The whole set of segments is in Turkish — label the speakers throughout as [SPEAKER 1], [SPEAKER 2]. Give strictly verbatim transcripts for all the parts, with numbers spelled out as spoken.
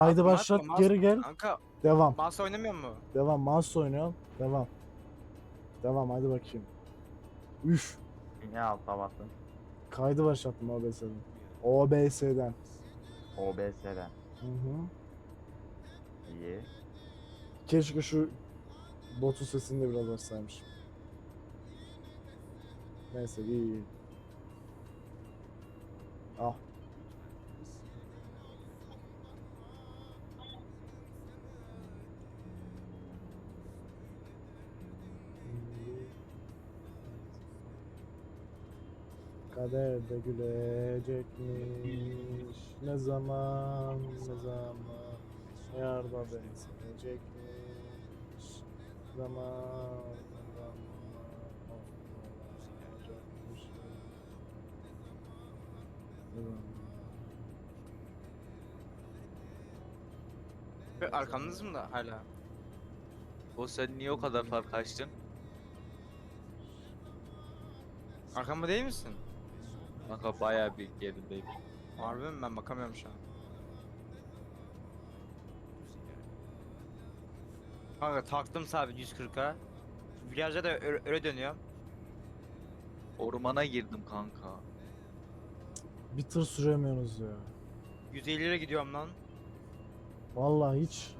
[SPEAKER 1] Haydi
[SPEAKER 2] Atma,
[SPEAKER 1] başlat,
[SPEAKER 2] atma,
[SPEAKER 1] geri
[SPEAKER 2] mouse-
[SPEAKER 1] gel.
[SPEAKER 2] Kanka
[SPEAKER 1] Devam.
[SPEAKER 2] mouse oynamıyor mu?
[SPEAKER 1] Devam. Mouse oynuyorum. Devam. Devam, hadi bakayım. Üf.
[SPEAKER 3] Niye alta bastın?
[SPEAKER 1] Kaydı başlattım O B S'den. O B S'den.
[SPEAKER 3] O B S'den.
[SPEAKER 1] Hı hı.
[SPEAKER 3] İyi.
[SPEAKER 1] Keşke şu botu sesini de biraz açsaymışım. Neyse, iyi iyi. Ah. Kader de gülecekmiş. Ne zaman, ne zaman yarda benzeyecekmiş. Zaman, zaman olacakmış.
[SPEAKER 2] Ve arkamdasın mı da hala?
[SPEAKER 4] O sen niye o kadar fark açtın?
[SPEAKER 2] Arkamda değil misin?
[SPEAKER 4] Kanka bayağı bir gerindeyim.
[SPEAKER 2] Harbi mi? Ben bakamıyorum şu an. Kanka taktım sabit yüz kırka. Virajda da öyle, öyle dönüyor.
[SPEAKER 4] Ormana girdim kanka.
[SPEAKER 1] Bir tır süremiyorsunuz ya.
[SPEAKER 2] yüz elli lira gidiyorum lan.
[SPEAKER 1] Vallahi hiç.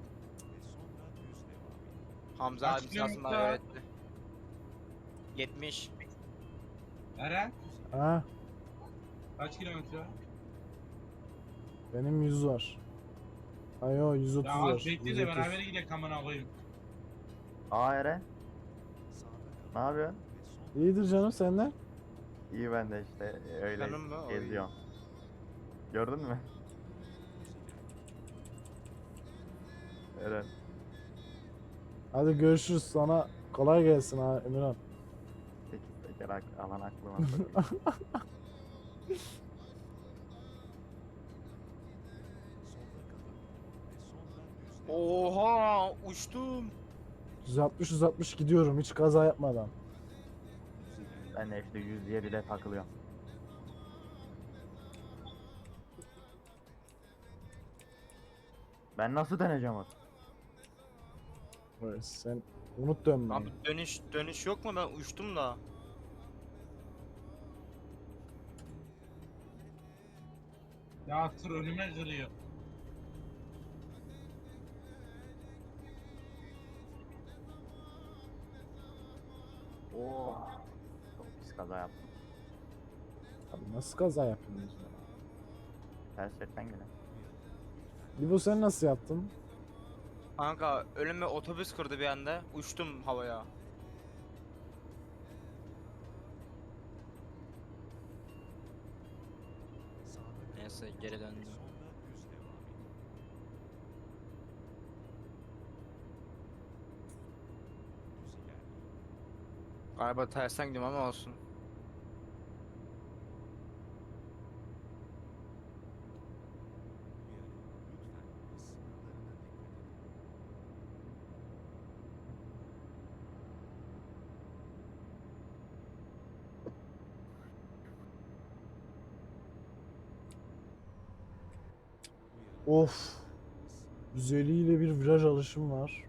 [SPEAKER 2] Hamza
[SPEAKER 5] Kaç
[SPEAKER 2] abi sağ olsun bana
[SPEAKER 5] kilometre?
[SPEAKER 2] öğretti. yetmiş.
[SPEAKER 5] Eren
[SPEAKER 1] Ha,
[SPEAKER 5] kaç kilometre var?
[SPEAKER 1] benim yüz var. Ay o yüz otuz
[SPEAKER 5] Ya
[SPEAKER 1] var.
[SPEAKER 5] az bekle
[SPEAKER 1] yüz
[SPEAKER 5] de
[SPEAKER 1] otuz.
[SPEAKER 5] beraber gidelim amına koyayım.
[SPEAKER 3] Aa Eren. Ne yapıyorsun?
[SPEAKER 1] İyidir canım, senden.
[SPEAKER 3] İyi ben de işte öyle
[SPEAKER 2] Canım mı? Oy.
[SPEAKER 3] geziyorum. Gördün mü? Eren.
[SPEAKER 1] Hadi görüşürüz, sana kolay gelsin ha Emirhan.
[SPEAKER 3] Sekiz teker ak- alan aklıma sokuyor.
[SPEAKER 2] Oha uçtum.
[SPEAKER 1] yüz altmış yüz altmış gidiyorum hiç kaza yapmadan.
[SPEAKER 3] Ben de işte yüz yedide takılıyorum. Ben nasıl döneceğim onu?
[SPEAKER 1] Evet, sen unut dönmeyi.
[SPEAKER 2] Abi dönüş dönüş yok mu? Ben uçtum da.
[SPEAKER 5] Ya tır önüme kırıyor.
[SPEAKER 3] Oo. Çok pis kaza yaptım.
[SPEAKER 1] Abi nasıl kaza yapıyorsunuz ya?
[SPEAKER 3] Ters şeritten gelen.
[SPEAKER 1] İbo sen nasıl yaptın?
[SPEAKER 2] Kanka önüme otobüs kırdı bir anda. Uçtum havaya. Neyse geri döndüm. Galiba tersten gidiyorum ama olsun.
[SPEAKER 1] Of. yüz elli ile bir viraj alışım var.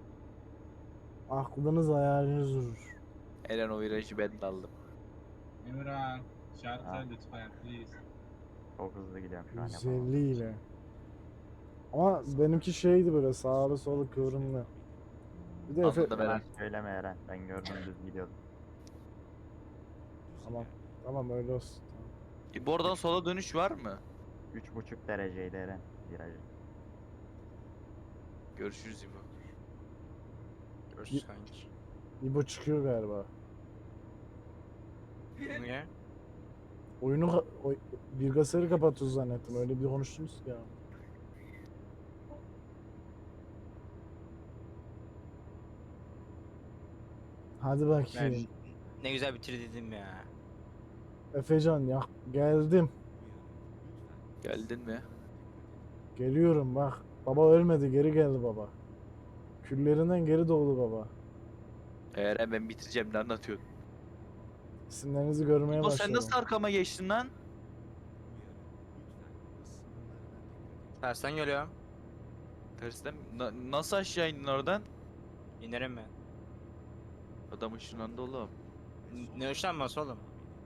[SPEAKER 1] Aklınız hayaliniz durur.
[SPEAKER 4] Eren o virajı ben de aldım.
[SPEAKER 5] Emirhan şarkı
[SPEAKER 3] Ha.
[SPEAKER 5] lütfen please.
[SPEAKER 3] Çok hızlı gidiyorum şu an
[SPEAKER 1] yüz
[SPEAKER 3] yapamam.
[SPEAKER 1] elli ile. Ama benimki şeydi, böyle sağlı solu kıvrımlı. Bir de Efe...
[SPEAKER 4] Anladım
[SPEAKER 3] Yalan
[SPEAKER 4] Eren.
[SPEAKER 3] söyleme Eren. Ben gördüm düz gidiyordum.
[SPEAKER 1] Tamam. Tamam öyle olsun. Tamam.
[SPEAKER 4] E, bu oradan sola dönüş var mı?
[SPEAKER 3] Üç buçuk dereceydi Eren virajı.
[SPEAKER 4] Görüşürüz İbo.
[SPEAKER 2] Görüşürüz kanki.
[SPEAKER 1] İbo çıkıyor galiba.
[SPEAKER 2] Niye?
[SPEAKER 1] Oyunu ka- oy- bilgisayarı kapatıyoruz zannettim. Öyle bir konuştunuz ki ya. Hadi bakayım.
[SPEAKER 2] Ne güzel bitirdim ya.
[SPEAKER 1] Efecan ya, geldim.
[SPEAKER 4] Geldin mi?
[SPEAKER 1] Geliyorum bak. Baba ölmedi, geri geldi baba. Küllerinden geri doğdu baba.
[SPEAKER 4] Eren ben bitireceğim, ne anlatıyorsun?
[SPEAKER 1] İsimlerinizi görmeye
[SPEAKER 4] İbo sen
[SPEAKER 1] başladım.
[SPEAKER 4] nasıl arkama geçtin lan?
[SPEAKER 2] Tersten geliyorum.
[SPEAKER 4] Tersten mi? Na- nasıl aşağı indin oradan?
[SPEAKER 2] İnerim mi?
[SPEAKER 4] Adam ışınlandı oğlum.
[SPEAKER 2] N- Ne ışınlanması oğlum?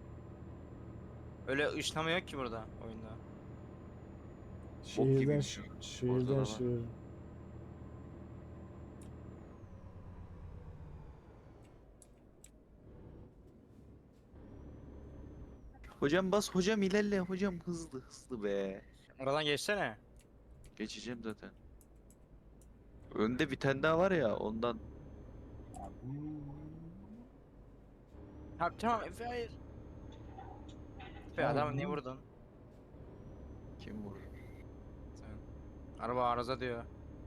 [SPEAKER 2] Öyle ışınlama yok ki burada oyunda.
[SPEAKER 1] Şehirden
[SPEAKER 4] gibiymiş
[SPEAKER 1] ş-
[SPEAKER 4] o. Orada da
[SPEAKER 1] şehirden
[SPEAKER 4] var.
[SPEAKER 1] şehir.
[SPEAKER 4] Hocam bas hocam ilerle hocam hızlı hızlı be.
[SPEAKER 2] Oradan geçsene.
[SPEAKER 4] Geçeceğim zaten. Önde bir tane daha var ya ondan.
[SPEAKER 2] Ha tamam Efe hayır. Efe
[SPEAKER 1] Tamam,
[SPEAKER 2] adamı niye
[SPEAKER 1] bu-
[SPEAKER 2] vurdun?
[SPEAKER 4] Kim vurur?
[SPEAKER 2] Sen. Araba arıza diyor.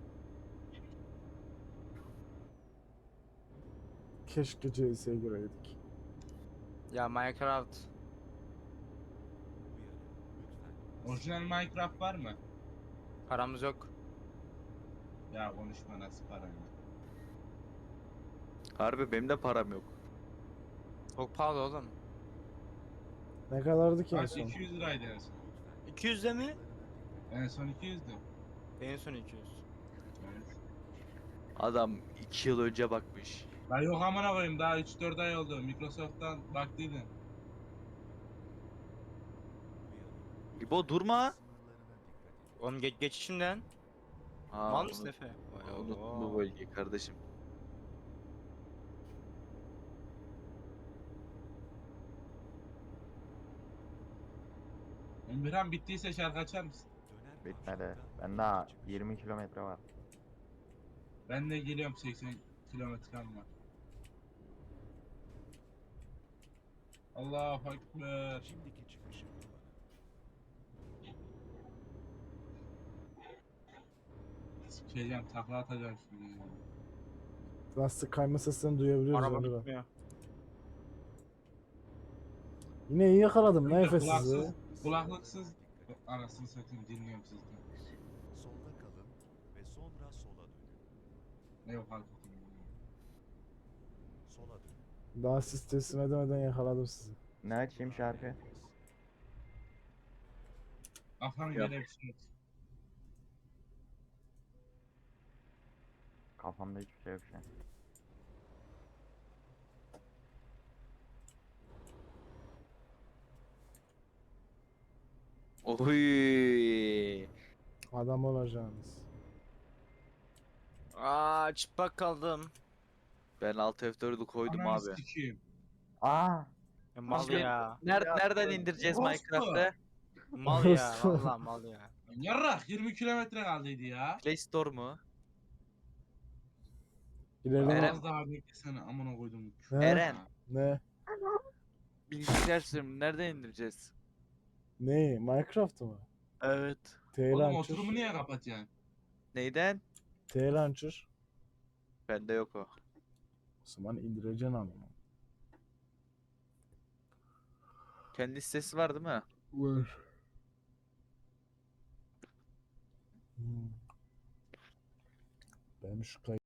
[SPEAKER 1] Keşke C S'ye gireydik.
[SPEAKER 2] Ya Minecraft.
[SPEAKER 5] Orijinal Minecraft var mı?
[SPEAKER 2] Paramız yok.
[SPEAKER 5] Ya konuşma, nasıl para ya?
[SPEAKER 4] Harbi benim de param yok.
[SPEAKER 2] Çok pahalı oğlum.
[SPEAKER 1] Ne kadardı ki en
[SPEAKER 5] Kaç?
[SPEAKER 1] son?
[SPEAKER 5] iki yüz liraydı en son.
[SPEAKER 2] iki yüz de mi?
[SPEAKER 5] En son iki yüzdü.
[SPEAKER 2] En son iki yüz.
[SPEAKER 5] Evet.
[SPEAKER 4] Adam iki yıl önce bakmış.
[SPEAKER 5] Ben yok amına koyayım, daha üç dört ay oldu. Microsoft'tan baktıydım.
[SPEAKER 4] İbo durma.
[SPEAKER 2] Oğlum geç geçişimden.
[SPEAKER 4] Ha,
[SPEAKER 2] Mal mısın
[SPEAKER 4] unut-
[SPEAKER 2] Efe? Vay
[SPEAKER 4] unuttum
[SPEAKER 2] Allah.
[SPEAKER 4] bu bölgeyi kardeşim.
[SPEAKER 5] Emirhan bittiyse şarkı açar mısın?
[SPEAKER 3] Bitmedi. Ben daha yirmi kilometre var.
[SPEAKER 5] Ben de geliyorum, seksen kilometrem var. Allahu Ekber.
[SPEAKER 6] Şimdiki çıkışı kullanın.
[SPEAKER 5] Sikeceğim, takla atacağım şimdi ya.
[SPEAKER 1] Lastik kayma seslerini duyabiliyoruz
[SPEAKER 2] Araba
[SPEAKER 1] Emre.
[SPEAKER 2] gitmiyor.
[SPEAKER 1] Yine iyi yakaladım lan Efe sizi.
[SPEAKER 5] Kulaksız, kulaklıksız. Anasını satayım, dinliyorum sizden.
[SPEAKER 6] Solda kalın ve sonra sola dönün.
[SPEAKER 5] Ne yok hareketim.
[SPEAKER 6] Sola dönün.
[SPEAKER 1] Daha siz teslim edemeden yakaladım sizi.
[SPEAKER 3] Ne açayım şarkı?
[SPEAKER 5] Afan
[SPEAKER 4] Yap.
[SPEAKER 5] böyle bir şey yok.
[SPEAKER 3] Kafamda hiçbir şey yok şu an.
[SPEAKER 4] Oy.
[SPEAKER 1] Adam olacaksınız.
[SPEAKER 2] Aa çıplak kaldım.
[SPEAKER 4] Ben alt F dördü koydum
[SPEAKER 5] Ananı
[SPEAKER 4] abi.
[SPEAKER 5] sikeyim.
[SPEAKER 3] Aa!
[SPEAKER 2] Ya mal
[SPEAKER 4] Abi-
[SPEAKER 2] ya.
[SPEAKER 4] Ner
[SPEAKER 3] Ya,
[SPEAKER 4] nereden indireceğiz
[SPEAKER 5] orospu.
[SPEAKER 4] Minecraft'ı?
[SPEAKER 2] Mal ya. Vallahi mal ya.
[SPEAKER 5] Yarrak, yirmi kilometre kaldıydı ya.
[SPEAKER 4] Play Store mu?
[SPEAKER 1] İlerleme.
[SPEAKER 4] Eren-
[SPEAKER 5] Az daha beklesene, amına koydum.
[SPEAKER 1] Ne?
[SPEAKER 4] Eren.
[SPEAKER 1] Ne?
[SPEAKER 4] Bilgisayar sürümü nereden indireceğiz?
[SPEAKER 1] Ne? Minecraft mı?
[SPEAKER 4] Evet.
[SPEAKER 1] T
[SPEAKER 5] Oğlum
[SPEAKER 1] Launcher.
[SPEAKER 5] oturumu niye kapatacaksın?
[SPEAKER 4] Neyden?
[SPEAKER 1] T Launcher.
[SPEAKER 4] Bende yok o.
[SPEAKER 1] O zaman indireceksin ama.
[SPEAKER 4] Kendi sitesi var değil mi?
[SPEAKER 1] Var. Hmm. Ben şu kay